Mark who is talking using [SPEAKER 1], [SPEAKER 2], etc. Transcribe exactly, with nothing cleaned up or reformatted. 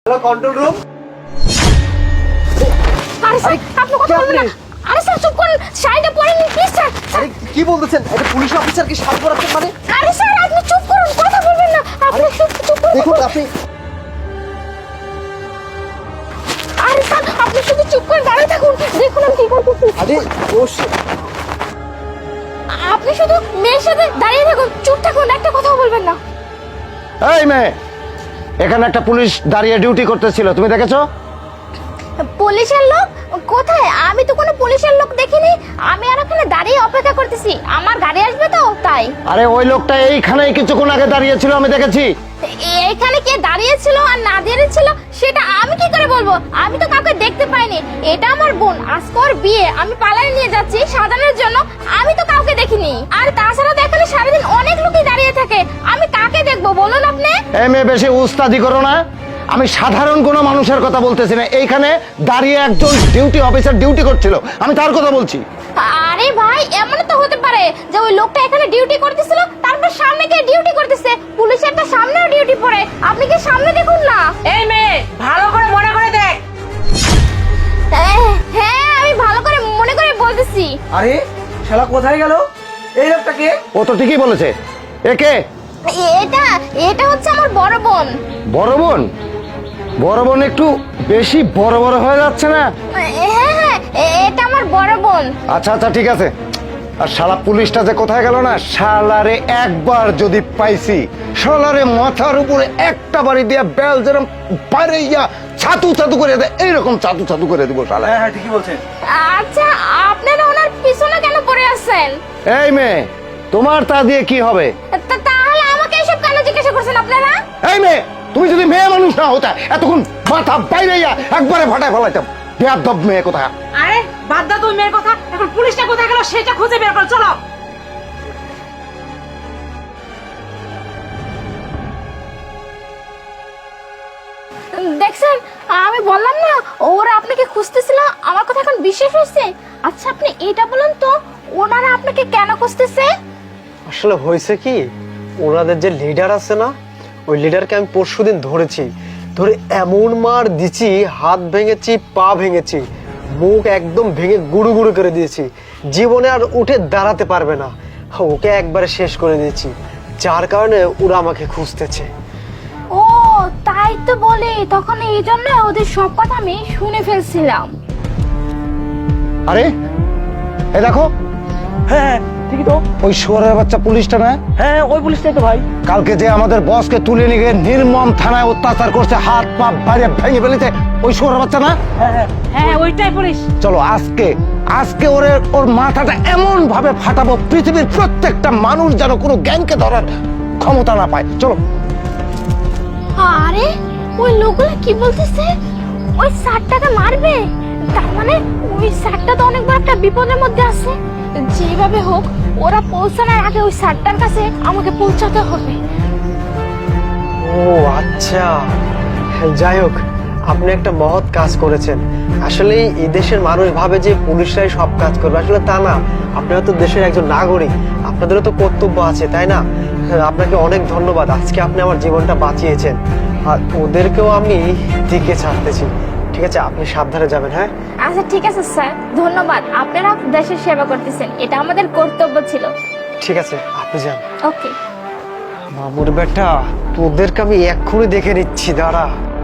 [SPEAKER 1] Hello control room.
[SPEAKER 2] আরে sir আপনি কথা বলবেন না। আরে স্যার চুপ করুন, শাড়িটা পরে নিন প্লিজ স্যার।
[SPEAKER 1] আরে কি বলতেছেন? এটা পুলিশ অফিসার কি শাড়ি পরাচ্ছেন মানে?
[SPEAKER 2] আরে স্যার আপনি চুপ করুন, কথা বলবেন না। আপনি চুপ চুপ করুন।
[SPEAKER 1] দেখুন আপনি
[SPEAKER 2] আরে স্যার আপনি শুধু চুপ করে দাঁড়িয়ে থাকুন, দেখুন আমি কি করতেছি।
[SPEAKER 1] আরে ও shit!
[SPEAKER 2] আপনি শুধু মেয়ের সাথে দাঁড়িয়ে থাকুন, চুপ থাকুন, একটা কথাও বলবেন না।
[SPEAKER 3] এই মেয়ে, এখানে একটা পুলিশ দাঁড়িয়ে ডিউটি করতেছিল, তুমি দেখেছো?
[SPEAKER 2] পুলিশের লোক কোথায়? আমি তো কোনো পুলিশের লোক দেখিনি। আমি আর এখানে দাঁড়িয়ে অপেক্ষা করতেছি, আমার গাড়ি আসবে তো তাই।
[SPEAKER 3] আরে ওই লোকটা এইখানেই কিছুক্ষণ আগে দাঁড়িয়েছিল, আমি দেখেছি।
[SPEAKER 2] এখানে কে দাঁড়িয়েছিল আর না দাঁড়িয়েছিল সেটা আমি কি করে বলবো? আমি তো কাউকে দেখতে পাইনি। এটা আমার বোন, আজকে ওর বিয়ে, আমি পালায় নিয়ে যাচ্ছি সাজানোর জন্য। আমি তো কাউকে দেখিনি। আর তাছাড়া তো এখানে সারাদিন অনেক লোকই দাঁড়িয়ে থাকে, আমি কাকে দেখবো বলুন আপনি?
[SPEAKER 3] এই মেয়ে বেশি উস্তাদি করো না। আমি সাধারণ কোনো মানুষের কথা বলতেছি না, এইখানে দাঁড়িয়ে একজন ডিউটি অফিসার ডিউটি করছিল, আমি তার কথা বলছি।
[SPEAKER 2] আরে ভাই এমন তো হতে পারে যে ওই লোকটা এখানে ডিউটি করতেছিল, তারপর সামনে গিয়ে ডিউটি করতেছে। পুলিশের তো সামনেও ডিউটি পড়ে, আপনি কি সামনে দেখুন না?
[SPEAKER 4] এই মেয়ে ভালো করে মনে করে দেখ।
[SPEAKER 2] হ্যাঁ আমি ভালো করে মনে করে বলতেছি।
[SPEAKER 1] আরে শালা কোথায় গেল? এই লোকটাকে?
[SPEAKER 3] ও তো ঠিকই বলেছে। একে
[SPEAKER 2] এটা এটা হচ্ছে আমার বড় বোন।
[SPEAKER 3] বড় বোন? বড় বোন একটু বেশি বড় বড় হয়ে যাচ্ছে না?
[SPEAKER 2] হ্যাঁ হ্যাঁ এটা আমার বড় বোন।
[SPEAKER 3] আচ্ছা আচ্ছা ঠিক আছে। আর শালা পুলিশটা যে কোথায় গেল না, শালারে একবার যদি পাইছি, শালারে মাথার উপরে একটা বাড়ি দিয়া বেল যেরকম বাইরে ইয়া ছাতু ছাতু করে দেয়, এইরকম ছাতু ছাতু করে দিব শালা।
[SPEAKER 1] হ্যাঁ হ্যাঁ ঠিকই বলছেন।
[SPEAKER 2] আচ্ছা আপনারা ওনার পিছনে কেন পড়ে আছেন?
[SPEAKER 3] এই মেয়ে, তোমার তা দিয়ে কি হবে?
[SPEAKER 2] তা- তাহলে আমাকে এসব কেন জিজ্ঞাসা করছেন আপনারা?
[SPEAKER 3] এই মেয়ে, তুমি যদি মেয়ে মানুষ না হতা, এতক্ষণ মাথা বাইরে ইয়া একবারে ফাটায় ফেলাইতাম। বেয়াদব মেয়ে কোথায়।
[SPEAKER 4] আরে বাদ দাও তুই মেয়ের কথা, এখন পুলিশটা কোথায় গেল সেটা খুঁজে বের করো, চলো।
[SPEAKER 2] দেখছেন আমি বললাম না ওরা আপনাকে খুঁজতেছিল, আমার কথা এখন বিশ্বাস হয়েছে? আচ্ছা আপনি এটা বলুন তো, ওনারা আপনাকে কেন খুঁজতেছে?
[SPEAKER 5] আসলে হয়েছে কি, ওনাদের যে লিডার আছে না, ওই লিডারকে আমি পরশুদিন ধরেছি। ধরে এমন মার দিছি, হাত ভেঙেছি, পা ভেঙেছি, মুখ একদম ভেঙে গুড়ু গুড়ু করে দিয়েছি। জীবনে আর উঠে দাঁড়াতে পারবে না, ওকে একবারে শেষ করে দিয়েছি। যার কারণে ওরা আমাকে খুঁজতেছে।
[SPEAKER 2] ও তাই তো বলে, তখন এই জন্য ওদের সব কথা আমি শুনে ফেলছিলাম।
[SPEAKER 3] আরে এই দেখো,
[SPEAKER 1] হ্যাঁ ঠিকই তো।
[SPEAKER 3] ওই শুয়োরের বাচ্চা পুলিশটা না?
[SPEAKER 1] হ্যাঁ ওই পুলিশটাই তো ভাই।
[SPEAKER 3] কালকে যে আমাদের বসকে তুলে নিয়ে গিয়ে নির্মম থানায় অত্যাচার করছে, হাত পা বাইরে ভেঙে ফেলেছে, ওই শুয়োরের বাচ্চা না?
[SPEAKER 1] হ্যাঁ হ্যাঁ
[SPEAKER 4] হ্যাঁ ওইটাই পুলিশ।
[SPEAKER 3] চলো আজকে আজকে ওরে ওর মাথাটা এমন ভাবে ফাটাবো, পৃথিবীর প্রত্যেকটা মানুষ যেন কোনো জ্ঞানকে ধরার ক্ষমতা না পায়। চলো।
[SPEAKER 2] আরে ওই লোকগুলো কি বলতেছে? ওই স্যারটাকে মারবে? তার মানে ওই স্যারটা তো অনেক বড় একটা বিপদের মধ্যে আছে। যেভাবে হোক ওরা পৌঁছানোর আগে ওই স্যারটার কাছে আমাকে পৌঁছাতে হবে।
[SPEAKER 5] ও আচ্ছা, যাই হোক, আপনি একটা মহৎ কাজ করেছেন। আসলে এই দেশের মানুষ ভাবে যে পুলিশরাই সব কাজ করবে, আসলে তা না। আপনারা তো দেশের একজন নাগরিক, আপনাদেরও তো কর্তব্য আছে, তাই না? আপনাকে অনেক ধন্যবাদ, আজকে আপনি আমার জীবনটা বাঁচিয়েছেন। আর ওদেরকেও আমি দিকে ছাড়তেছি। ঠিক আছে, আপনি সাবধানে যাবেন। হ্যাঁ
[SPEAKER 2] আচ্ছা ঠিক আছে স্যার, ধন্যবাদ। আপনারা দেশের সেবা করতেছেন, এটা আমাদের কর্তব্য ছিল।
[SPEAKER 5] ঠিক আছে, আপনি যান।
[SPEAKER 2] ওকে।
[SPEAKER 5] মামুর বেটা, তোদেরকে আমি এক্ষুনি দেখে নিচ্ছি, দাঁড়া।